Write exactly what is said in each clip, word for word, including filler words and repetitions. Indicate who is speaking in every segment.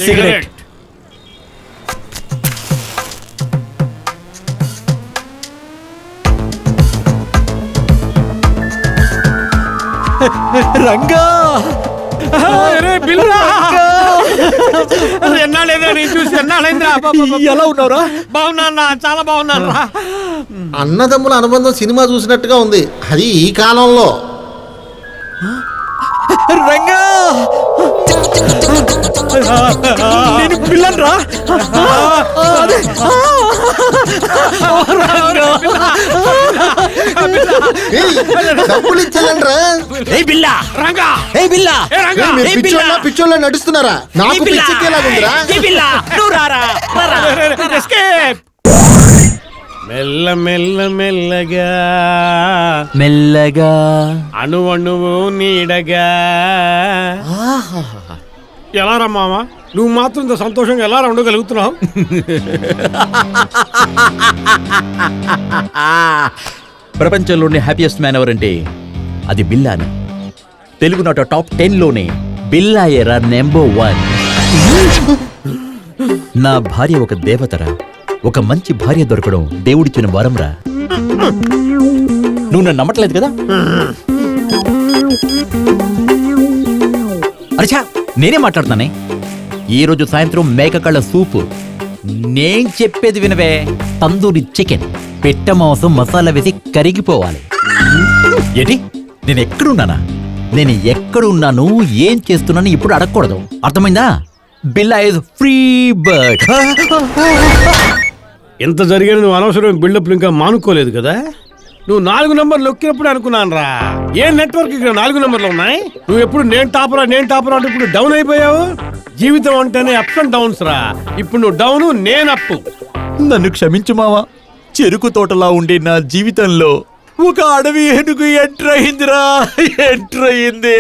Speaker 1: Cigarette. Ranga
Speaker 2: ఎన్నాళ్ళైందా నేను చూసి ఎన్నాళ్ళైందా?
Speaker 1: ఎలా ఉన్నావురా?
Speaker 2: బాగున్నా, చాలా బాగున్నాను రా.
Speaker 3: అన్నదమ్ముల అనుబంధం సినిమా చూసినట్టుగా ఉంది, అది ఈ కాలంలో.
Speaker 1: రంగా నేను పిల్లని రా.
Speaker 3: డబ్బులు ఇచ్చానండ్రా. పిచ్చోళ్ళ నడుస్తున్నారా? నాకు పిచ్చెక్కేలాగుందిరా.
Speaker 2: మెల్ల మెల్ల మెల్లగా
Speaker 1: మెల్లగా
Speaker 2: అణు అణువు నీడగా. ఎలా రా మామ, నువ్వు మాత్రం ఇంత సంతోషంగా ఎలా ఉండగలుగుతున్నావు?
Speaker 1: ప్రపంచంలోని హ్యాపీయెస్ట్ మ్యాన్ ఎవరంటే అది బిల్లాని. తెలుగు నాట టాప్ టెన్ లోనే బిల్లాయేరా నెంబర్ వన్. నా భార్య ఒక దేవతరా. ఒక మంచి భార్య దొరకడం దేవుడిచ్చిన వరంరా. నువ్వు నన్ను నమ్మట్లేదు కదా? అరేచా, నేనే మాట్లాడుతానే. ఈ రోజు సాయంత్రం మేక కళ్ళ సూపు. నేను చెప్పేది వినవే. తందూరి చికెన్, పెట్ట మాంసం మసాలా వేసి కరిగిపోవాలి. ఏంటి, నేను ఎక్కడున్నానా? నేను ఎక్కడున్నాను, ఏం చేస్తున్నాను ఇప్పుడు అడగకూడదు, అర్థమైందా? బిల్లా ఇస్ ఫ్రీ బర్డ్.
Speaker 2: ఎంత జరిగిన నువ్వు అనవసరం బిల్డప్లు ఇంకా మానుకోలేదు కదా? నువ్వు నాలుగు నంబర్లు నొక్కినప్పుడు అనుకున్నాను రా, ఏ నెట్వర్క్ ఇక్కడ నాలుగు నంబర్లు ఉన్నాయి? నువ్వు ఎప్పుడు నేను టాపరా నేను టాపరా అంటే ఇప్పుడు డౌన్ అయిపోయావు. జీవితం అంటేనే అప్స్ అండ్ డౌన్స్ రా. ఇప్పుడు నువ్వు డౌన్, నేను అప్పు.
Speaker 1: నన్ను క్షమించు మావా. చెరుకు తోటలా ఉండే నా జీవితంలో ఒక అడవి ఏనుగు ఎంటర్ అయిందిరా, ఎంటర్ అయింది.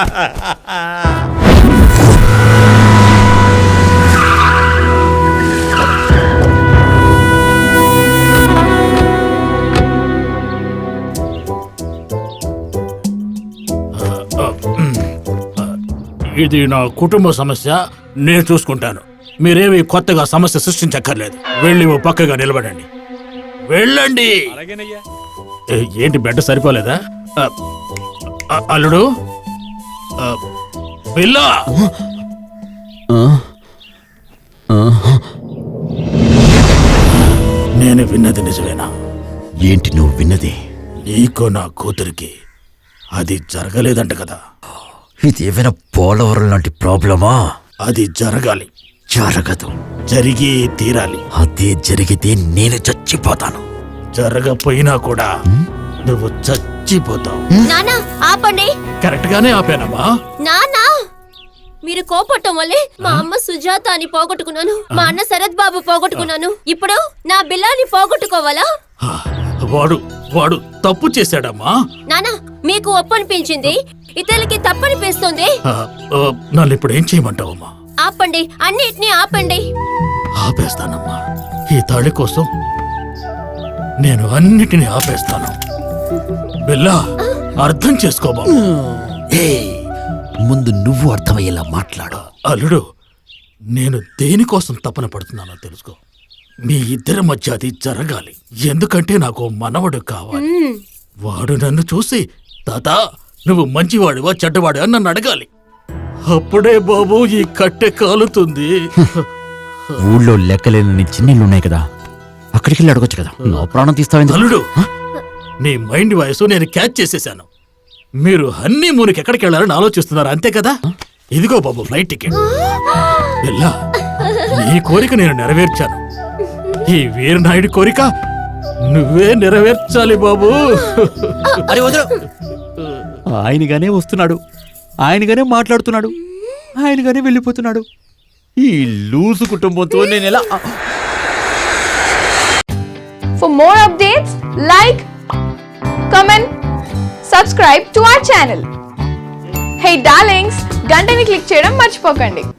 Speaker 4: ఇది నా కుటుంబ సమస్య, నేను చూసుకుంటాను. మీరేమి కొత్తగా సమస్య సృష్టించక్కర్లేదు. వెళ్ళి ఓ పక్కగా నిలబడండి. వెళ్ళండి. ఏంటి బెడ్ సరిపోలేదా? అల్లుడు, పిల్ల, నేను విన్నది నిజమేనా?
Speaker 1: ఏంటి నువ్వు విన్నది?
Speaker 4: నీకో నా కూతురికి అది జరగలేదంట కదా?
Speaker 1: ఇదేమైనా పోలవరం లాంటి ప్రాబ్లమా?
Speaker 4: అది జరగాలి.
Speaker 1: జరగదు.
Speaker 4: జరిగి తీరాలి.
Speaker 1: అదే జరిగితే నేను చచ్చిపోతాను.
Speaker 4: జరగపోయినా కూడా నువ్వు చచ్చిపోతావు.
Speaker 5: నానా ఆపండి.
Speaker 4: కరెక్ట్ గానే ఆపానమ్మా.
Speaker 5: నానా, మీరు కోపట్టం వల్లే మా అమ్మ సుజాత అని పోగొట్టుకున్నాను, మా అన్న శరత్ బాబు పోగొట్టుకున్నాను. ఇప్పుడు నా బిల్లాని పోగొట్టుకోవాలా?
Speaker 4: వాడు వాడు తప్పు చేశాడమ్మా.
Speaker 5: నానా, మీకు ఒప్పనిపించింది, ఇతరులకి తప్పనిపిస్తుంది.
Speaker 4: నన్ను ఇప్పుడు ఏం చేయమంటావమ్మా?
Speaker 5: ఆపండి, అన్నిటినీ ఆపండి.
Speaker 4: ఆపేస్తానమ్మా. ఈ తాళి కోసం నేను అన్నిటినీ ఆపేస్తాను. బిల్లా, అర్థం చేసుకోబా.
Speaker 1: ముందు నువ్వు అర్థమయ్యేలా మాట్లాడు.
Speaker 4: అల్లుడు, నేను దేనికోసం తపన పడుతున్నానో తెలుసుకో. మీ ఇద్దరి మధ్య అది జరగాలి. ఎందుకంటే నాకు మనవడు కావాలి. వాడు నన్ను చూసి తాత నువ్వు మంచివాడివా చెడ్డవాడివా అని నన్ను అడగాలి. అప్పుడే బాబు ఈ కట్టె కాలుతుంది.
Speaker 1: ఊళ్ళో లెక్కలేని చిన్నీళ్ళున్నాయి కదా, అక్కడికి వెళ్ళి అడగొచ్చు కదా. నా ప్రాణం తీస్తావు
Speaker 4: అల్లుడు. నీ మైండ్ వాయిస్ నేను క్యాచ్ చేసేసాను. మీరు హన్నీ మూనికి ఎక్కడికి వెళ్ళాలని ఆలోచిస్తున్నారు, అంతే కదా? ఇదిగో బాబు ఫ్లైట్ టికెట్. వెళ్ళా, నీ కోరిక నేను నెరవేర్చాను. ఈ వీరనాయుడి కోరిక నువ్వే నెరవేర్చాలి బాబు.
Speaker 1: అరే వదరు. ఆయనగానే వస్తున్నాడు, ఆయనగానే మాట్లాడుతున్నాడు, ఆయనగానే వెళ్ళిపోతున్నాడు. ఈ లూసు కుటుంబంతో నేను ఎలా?
Speaker 6: For more updates, like, comment, subscribe to our channel. Hey darlings, గంటని click చేయడం మర్చిపోకండి.